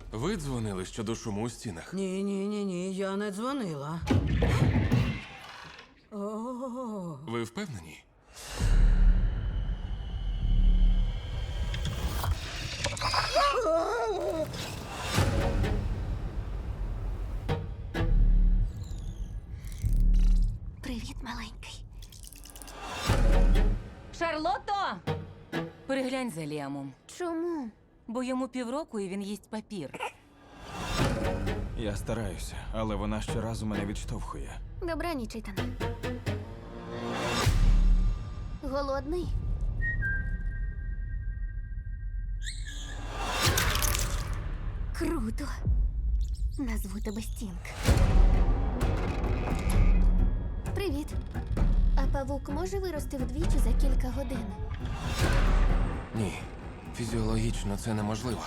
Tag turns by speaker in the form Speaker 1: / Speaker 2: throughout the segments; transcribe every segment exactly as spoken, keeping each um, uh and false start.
Speaker 1: Ви дзвонили щодо шуму у стінах?
Speaker 2: Ні, ні, ні, ні, я не дзвонила. О,
Speaker 1: Ви впевнені?
Speaker 3: Привіт, маленький.
Speaker 4: Шарлотто! Переглянь за Ліамом,
Speaker 3: Чому?
Speaker 4: бо йому півроку і він їсть папір.
Speaker 5: Я стараюся, але вона щоразу мене відштовхує.
Speaker 3: Добраніч, Ітане. Голодний? Круто. Назву тебе Стінг. Привіт. А павук може вирости вдвічі за кілька годин?
Speaker 1: Ні. Фізіологічно це неможливо.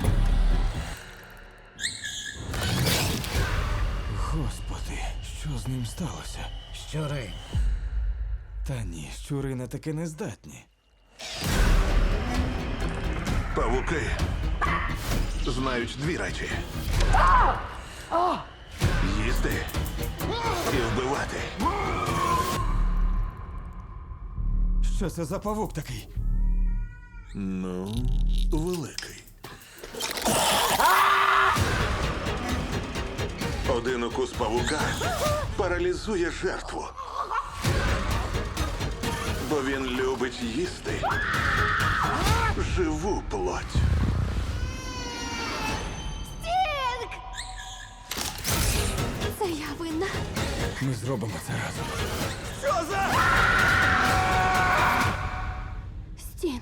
Speaker 5: Господи, що з ним сталося?
Speaker 2: щури.
Speaker 5: Та ні, щури на таке не здатні.
Speaker 6: Павуки знають дві речі: їсти і вбивати.
Speaker 5: Що це за павук такий?
Speaker 6: Ну, великий. Один укус павука паралізує жертву, бо він любить їсти живу плоть.
Speaker 3: Стінг! Це я винна.
Speaker 5: Ми зробимо це разом.
Speaker 3: Стінг.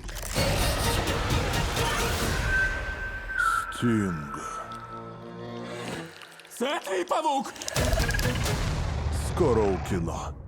Speaker 6: Стінг.
Speaker 5: Це твій павук!
Speaker 6: Скоро у кіно.